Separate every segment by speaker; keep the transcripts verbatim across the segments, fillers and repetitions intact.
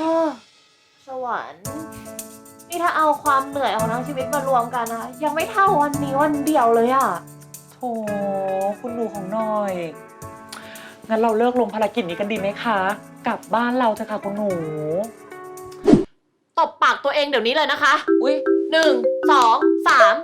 Speaker 1: สวรรค์นี่ถ้าเอาความเหนื่อยของทั้งชีวิตมารวมกันนะยังไม่เท่าวันนี้วันเดียวเลยอะ
Speaker 2: โถคุณหนูของหน่อยงั้นเราเลิกลงภารกิจนี้กันดีไหมคะกลับบ้านเราเถอะค่ะคุณหนู
Speaker 1: ตบปากตัวเองเดี๋ยวนี้เลยนะคะ
Speaker 2: อุ้ย
Speaker 1: หนึ่งสองสาม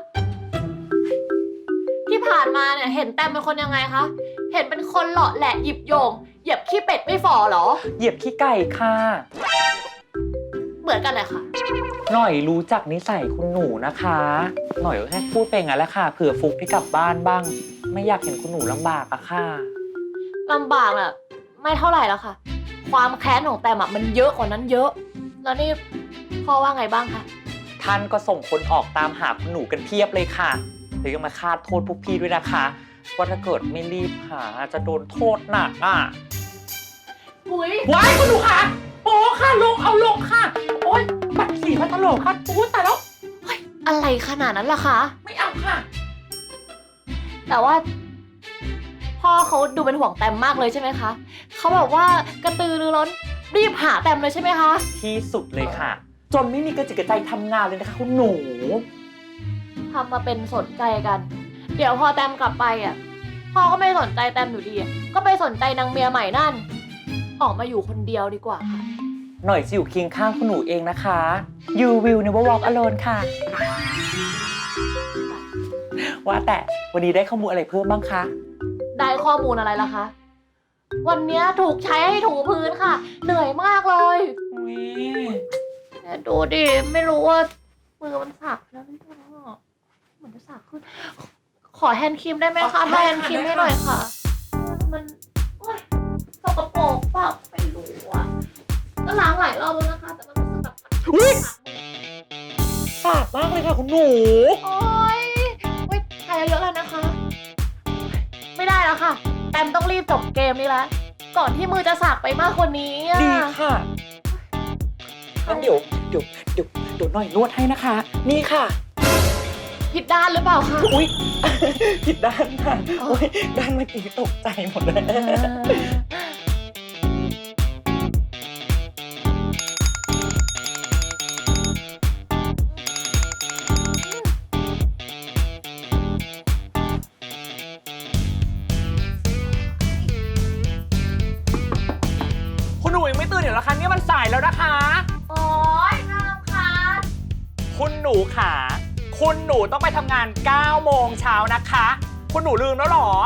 Speaker 1: ที่ผ่านมาเนี่ยเห็นแต้มเป็นคนยังไงคะเห็นเป็นคนหล่อแหละหยิบโยงเหยียบขี้เป็ดไม่ฝ่อหรอ
Speaker 2: เหยียบขี้ไก่ค่ะ
Speaker 1: เหมือนกันเลยค่ะ
Speaker 2: หน่อยรู้จักนิสัยคุณหนูนะคะหน่อยก็แค่พูดไปงั้นแหละค่ะเผื่อฟุกที่กลับบ้านบ้างไม่อยากเห็นคุณหนูลำบากอะค่ะ
Speaker 1: ลำบากอะไม่เท่าไหร่แล้วค่ะความแค้นของแต้มอะมันเยอะกว่านั้นเยอะแล้วนี่พ่อว่าไงบ้างคะ
Speaker 2: ท่านก็ส่งคนออกตามหาคุณหนูกันเพียบเลยค่ะหรือยังมาคาดโทษพวกพี่ด้วยนะคะว่าถ้าเกิดไม่รีบหาจะโดนโทษหนักอ่ะ
Speaker 1: อุ้ย
Speaker 2: ว้ายคุณหนูค่ะโอ้ค่ะลงเอาลงค่ะโอ๊ยบัตรสีมาตลกค่ะโอ้แต่แล้ว
Speaker 1: เฮ้ยอะไรขนาดนั้นล่ะคะ
Speaker 2: ไม่เอาค่ะ
Speaker 1: แต่ว่าพ่อเขาดูเป็นห่วงแต้มมากเลยใช่ไหมคะเขาแบบว่ากระตือรือร้นรีบหาแต้มเลยใช่ไหมคะ
Speaker 2: ที่สุดเลยค่ะจนไม่มีกระจิกกระใจทำงานเลยนะคะคุณหนู
Speaker 1: ทำมาเป็นสนใจกันเดี๋ยวพอแต้มกลับไปอ่ะพ่อก็ไม่สนใจแต้มอยู่ดีก็ไปสนใจนางเมียใหม่นั่นออกมาอยู่คนเดียวดีกว่าค่ะ
Speaker 2: หน่อยจะอยู่เคียงข้างคุณหนูเองนะคะ You will never walk alone ค่ะว่าแต่วันนี้ได้ข้อมูลอะไรเพิ่มบ้างคะ
Speaker 1: ได้ข้อมูลอะไรล่ะคะวันนี้ถูกใช้ให้ถูพื้นค่ะเหนื่อยมากเลยดูดิไม่รู้ว่ามือมันสักแล้วหรือเปล่าเหมือนจะสักขึ้นขอแฮนด์ครีมได้ไหมคะแฮนด์ครีมให้หน่อยค่ะมันโอ๊ยสกปรกเปล่าไม่รู้อ่ะก็ล้างหลายรอบแล้วนะคะแต่มันรู้สึกแบบ
Speaker 2: อุ้ยสากมากเลยค่ะคุณหนู
Speaker 1: โอ๊ยโอ๊ยทายเยอะแล้วนะคะไม่ได้แล้วค่ะแต้มต้องรีบจบเกมนี้แล้วก่อนที่มือจะสักไปมากกว่านี้
Speaker 2: ดีค่ะงั้นเดี๋ยวเดี๋ยวเดี๋ยวเดี๋ยวหน่อยนวดให้นะคะนี่ค่ะ
Speaker 1: ผิดด้านหรือเปล่าคะ
Speaker 2: อุ๊ยผิดด้านค่ะโอ๊ยด้านเมื่อกี้ตกใจหมดเลยคุณหนูยังไม่ตื่นเหรอคะเนี่ยมันสายแล้วนะคะ
Speaker 1: โอ๊ยน่ารำคาญ
Speaker 2: คุณหนูขาคุณหนูต้องไปทำงานเก้าโมงเช้านะคะคุณหนูลืมแล้วหรอ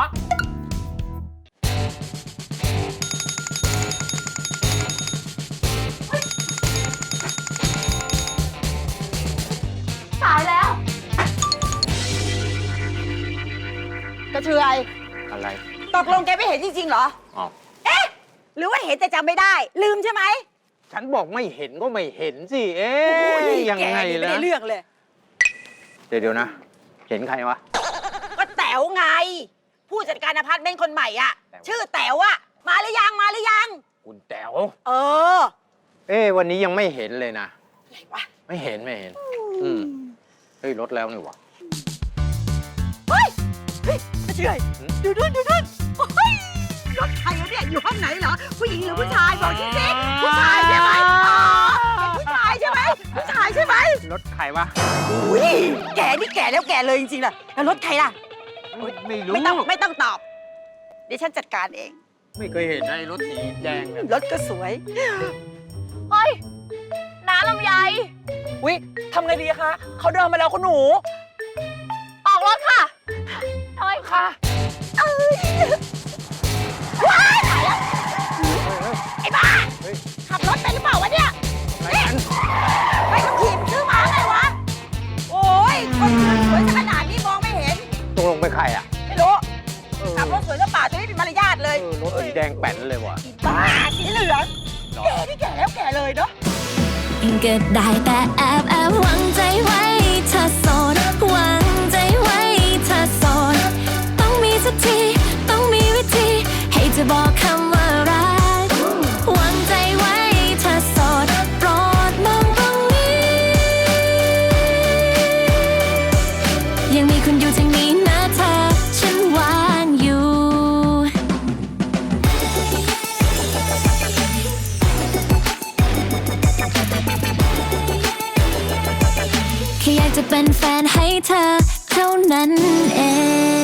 Speaker 1: สายแล้ว
Speaker 3: กระเทือย
Speaker 2: อะไร
Speaker 3: ตกลงแกไม่เห็นจริงๆเหรออ๋อเอ๊ะหรือว่าเห็นแต่จำไม่ได้ลืมใช่ไหม
Speaker 4: ฉันบอกไม่เห็นก็ไม่เห็นสิเอ๊ะยังไงล่ะ
Speaker 3: ไม่ได้เรื่องเลย
Speaker 4: เดี๋ยวเดี๋ยวนะเห็นใครวะ
Speaker 3: ก็แต๋วไงผู้จัดการอพาร์ตเมนต์คนใหม่อ่ะชื่อแต๋วอ่ะมาหรือยังมาหรือยัง
Speaker 4: คุณแต๋ว
Speaker 3: เออ
Speaker 4: เอ๊ะวันนี้ยังไม่เห็นเลยนะ
Speaker 3: อะไรวะ
Speaker 4: ไม่เห็นไม่เห็นอืมเฮ้ยรถแล้วนี่วะ
Speaker 3: เฮ้ยเฮ้ยกระเทือยดูนู่นดูนู่นเฮ้ยรถใครวะเนี่ยอยู่ห้องไหนเหรอผู้หญิงหรือผู้ชายบอกฉันสิผู้ชายใช่ไหมอ๋อเป็นผู้ชายใช่ไหมผู้ชายใช่ไหม
Speaker 4: รถใครวะ
Speaker 3: อุ้ยแกนี่แกแล้วแกเลยจริงๆเลยแล้วรถใครล่ะ
Speaker 4: ไม่รู้
Speaker 3: ไม่ต้องไม่ต้องตอบเดี๋ยวฉันจัดการเอง
Speaker 4: ไม่เคยเห็นไอ้รถสีแดงเนี่ย
Speaker 3: รถก็สวย
Speaker 1: เฮ้ยน้าลำไย
Speaker 2: อุ๊ยทำไงดีคะเขาเดินมาแล้วคุณหนู
Speaker 1: ออกรถค่ะถอย
Speaker 2: ค่ะ
Speaker 3: เอ้ยว้ายตายแล้วไอ้บ้าขับรถเป็นหรือเปล่าวะเนี่ยนี่ไปขับขี่มันซื้อมาไงวะโอ้ยคนสวยขนาดนี้มองไม่เห็น
Speaker 4: ตกลงเป็นใครอ่ะ
Speaker 3: ไม่รู้ขับรถสวยหรือเปล่าจะไม่เป็นมารยาทเลย
Speaker 4: รถสีแดงแป้นเลยวะ
Speaker 3: บ้าสีเหลืองแกนี่แก่แล้วแก่เลยเนาะ
Speaker 5: ก็ได้แต่แอบแอบหวังใจไว้เธอโสดหวังใจไว้เธอโสดต้องมีสักทีต้องมีวิธีให้จะบอกคำว่ารักหวังใจไว้เธอโสดโปรดมองตรงนี้ยังมีคุณอยู่ทางนี้นะเธอฉันวางอยู่
Speaker 3: เ
Speaker 5: แค่อยากจะเป็นแฟนให้เธอเท่านั้นเอง